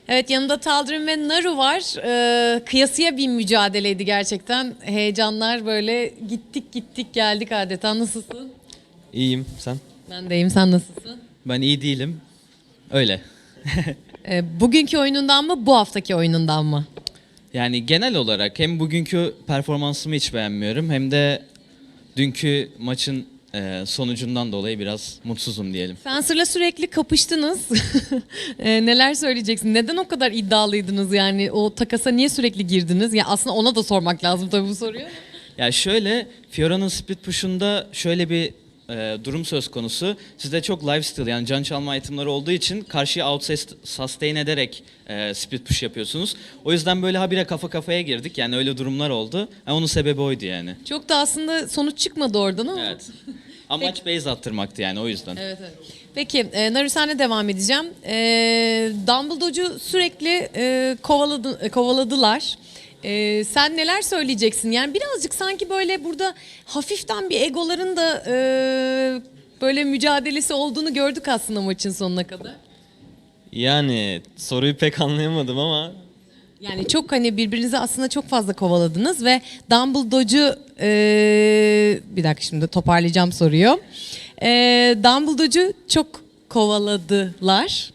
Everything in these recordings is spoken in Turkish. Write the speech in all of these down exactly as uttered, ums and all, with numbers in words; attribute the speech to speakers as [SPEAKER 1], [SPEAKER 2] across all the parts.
[SPEAKER 1] Evet, yanımda Taldir'in ve Naru var. Ee, kıyasıya bir mücadeleydi gerçekten. Heyecanlar böyle gittik gittik geldik adeta. Nasılsın?
[SPEAKER 2] İyiyim, sen?
[SPEAKER 1] Ben de iyiyim, sen nasılsın?
[SPEAKER 2] Ben iyi değilim. Öyle.
[SPEAKER 1] Ee, bugünkü oyunundan mı, bu haftaki oyunundan mı?
[SPEAKER 2] Yani genel olarak hem bugünkü performansımı hiç beğenmiyorum hem de dünkü maçın e, sonucundan dolayı biraz mutsuzum diyelim.
[SPEAKER 1] Fencer'la sürekli kapıştınız. Ee, neler söyleyeceksin? Neden o kadar iddialıydınız yani? O takasa niye sürekli girdiniz? Ya aslında ona da sormak lazım tabii bu soruyu.
[SPEAKER 2] Ya şöyle, Fiora'nın split push'unda şöyle bir e, durum söz konusu. Sizde çok lifesteal yani can çalma itemları olduğu için karşıya out sustain ederek e, split push yapıyorsunuz. O yüzden böyle habire kafa kafaya girdik. Yani öyle durumlar oldu. Yani onun sebebi oydu yani.
[SPEAKER 1] Çok da aslında sonuç çıkmadı oradan ama.
[SPEAKER 2] Evet. Amaç base attırmaktı yani o yüzden.
[SPEAKER 1] Evet, evet. Peki, e, Naru senle devam edeceğim. E, Dumbledore'cu sürekli e, kovaladı, e, kovaladılar. E, sen neler söyleyeceksin? Yani birazcık sanki böyle burada hafiften bir egoların da e, böyle mücadelesi olduğunu gördük aslında maçın sonuna kadar.
[SPEAKER 2] Yani soruyu pek anlayamadım ama
[SPEAKER 1] Yani çok hani birbirinizi aslında çok fazla kovaladınız ve Dumbledore'cu e, bir dakika şimdi toparlayacağım soruyu. E, Dumbledore'cu çok kovaladılar.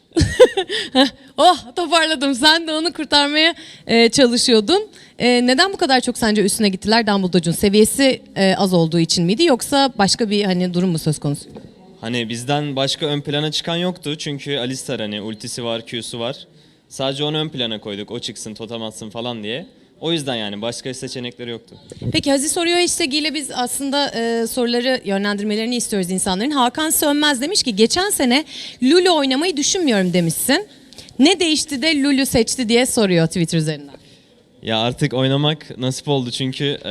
[SPEAKER 1] Oh, toparladım. Sen de onu kurtarmaya e, çalışıyordun. E, neden bu kadar çok sence üstüne gittiler Dumbledore'cun? Seviyesi e, az olduğu için miydi yoksa başka bir hani durum mu söz konusu?
[SPEAKER 3] Hani bizden başka ön plana çıkan yoktu çünkü Alistar hani ultisi var, Q'su var. Sadece onu ön plana koyduk, o çıksın, totem atsın falan diye. O yüzden yani başka seçenekleri yoktu.
[SPEAKER 1] Peki Hazi soruyor hashtag ile biz aslında e, soruları yönlendirmelerini istiyoruz insanların. Hakan Sönmez demiş ki geçen sene Lulu oynamayı düşünmüyorum demişsin. Ne değişti de Lulu seçti diye soruyor Twitter üzerinden.
[SPEAKER 3] Ya artık oynamak nasip oldu çünkü e,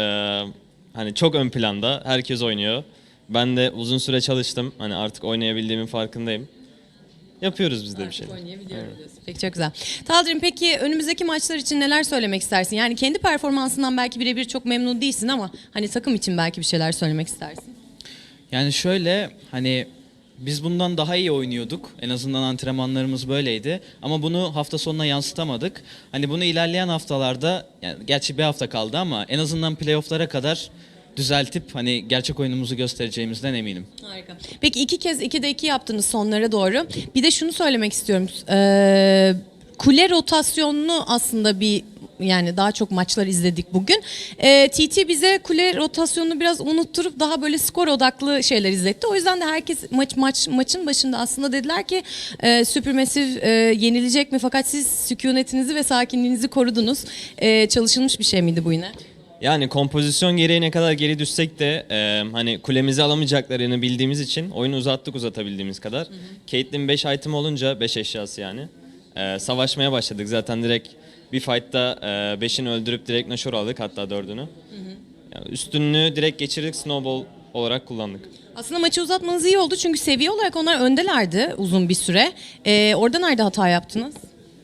[SPEAKER 3] hani çok ön planda, herkes oynuyor. Ben de uzun süre çalıştım, hani artık oynayabildiğimin farkındayım. Yapıyoruz biz de bir şeyler.
[SPEAKER 1] Peki, çok güzel. Taldir'im, peki önümüzdeki maçlar için neler söylemek istersin? Yani kendi performansından belki birebir çok memnun değilsin ama hani takım için belki bir şeyler söylemek istersin.
[SPEAKER 2] yani şöyle hani biz bundan daha iyi oynuyorduk. En azından antrenmanlarımız böyleydi. Ama bunu hafta sonuna yansıtamadık. Hani bunu ilerleyen haftalarda, yani gerçi bir hafta kaldı ama en azından playoff'lara kadar düzeltip hani gerçek oyunumuzu göstereceğimizden eminim.
[SPEAKER 1] Harika. Peki iki kez ikide iki yaptınız sonlara doğru. Bir de şunu söylemek istiyorum. Ee, kule rotasyonunu aslında bir yani daha çok maçlar izledik bugün. Ee, T T bize kule rotasyonunu biraz unutturup daha böyle skor odaklı şeyler izletti. O yüzden de herkes maç maç maçın başında aslında dediler ki e, Supermassive e, yenilecek mi? Fakat siz sükunetinizi ve sakinliğinizi korudunuz. E, çalışılmış bir şey miydi bu yine?
[SPEAKER 3] Yani kompozisyon gereği ne kadar geri düşsek de e, hani kulemizi alamayacaklarını bildiğimiz için oyunu uzattık uzatabildiğimiz kadar. Caitlyn beş item olunca beş eşyası yani. E, savaşmaya başladık zaten direkt bir fight'ta beşini öldürüp direkt Nashor aldık hatta dördünü. Yani üstünlüğü direkt geçirdik, snowball olarak kullandık.
[SPEAKER 1] Aslında maçı uzatmanız iyi oldu çünkü seviye olarak onlar öndelerdi uzun bir süre. Ee, orada nerede hata yaptınız?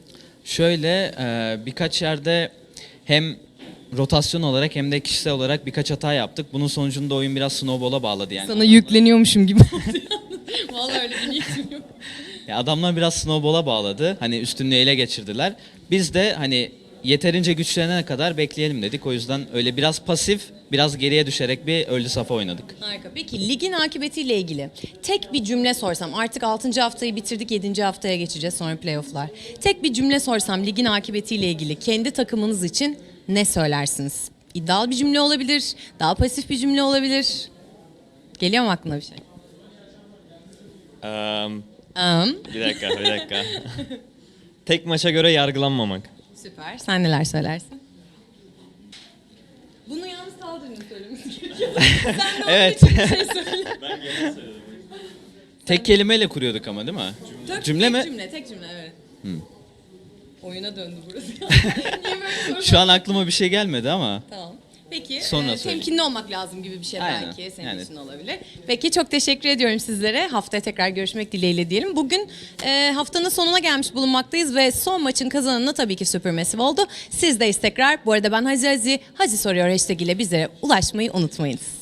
[SPEAKER 2] Şöyle e, birkaç yerde hem rotasyon olarak hem de kişisel olarak birkaç hata yaptık. Bunun sonucunda oyun biraz snowball'a bağladı yani.
[SPEAKER 1] Sana yükleniyormuşum gibi oldu. Vallahi öyle bir niyetim yok.
[SPEAKER 2] Ya adamlar biraz snowball'a bağladı. Hani üstünlüğü ele geçirdiler. Biz de hani yeterince güçlenene kadar bekleyelim dedik. O yüzden öyle biraz pasif, biraz geriye düşerek bir early safa oynadık.
[SPEAKER 1] Harika. Peki ligin akıbetiyle ilgili tek bir cümle sorsam, artık altıncı haftayı bitirdik, yedinci haftaya geçeceğiz, sonra playofflar. Tek bir cümle sorsam ligin akıbetiyle ilgili kendi takımınız için ne söylersiniz? İddialı bir cümle olabilir, daha pasif bir cümle olabilir. Geliyor mu aklına bir şey?
[SPEAKER 3] Um,
[SPEAKER 1] Um.
[SPEAKER 3] bir dakika, bir dakika. Tek maça göre yargılanmamak.
[SPEAKER 1] Süper. Sen neler söylersin? Bunu yalnız Taldir'in söylemesi gerekiyor. Sen de onun
[SPEAKER 2] Evet.
[SPEAKER 1] için bir şey söyle.
[SPEAKER 2] Tek kelimeyle kuruyorduk ama değil mi?
[SPEAKER 1] Tek,
[SPEAKER 2] Cümle
[SPEAKER 1] tek
[SPEAKER 2] mi?
[SPEAKER 1] Cümle, tek cümle evet. Oyuna döndü burası. Niye böyle soru-
[SPEAKER 2] Şu an aklıma bir şey gelmedi ama.
[SPEAKER 1] Tamam. Peki,
[SPEAKER 2] Sonra
[SPEAKER 1] e,
[SPEAKER 2] söyleyeyim.
[SPEAKER 1] temkinli olmak lazım gibi bir şey
[SPEAKER 2] Aynen,
[SPEAKER 1] belki senin
[SPEAKER 2] yani.
[SPEAKER 1] için olabilir. Peki, çok teşekkür ediyorum sizlere. Haftaya tekrar görüşmek dileğiyle diyelim. Bugün e, haftanın sonuna gelmiş bulunmaktayız ve son maçın kazananı tabii ki Supermassive oldu. Sizdeyiz tekrar. Bu arada ben Hazi Hazi, Hazi soruyor hashtag ile bizlere ulaşmayı unutmayınız.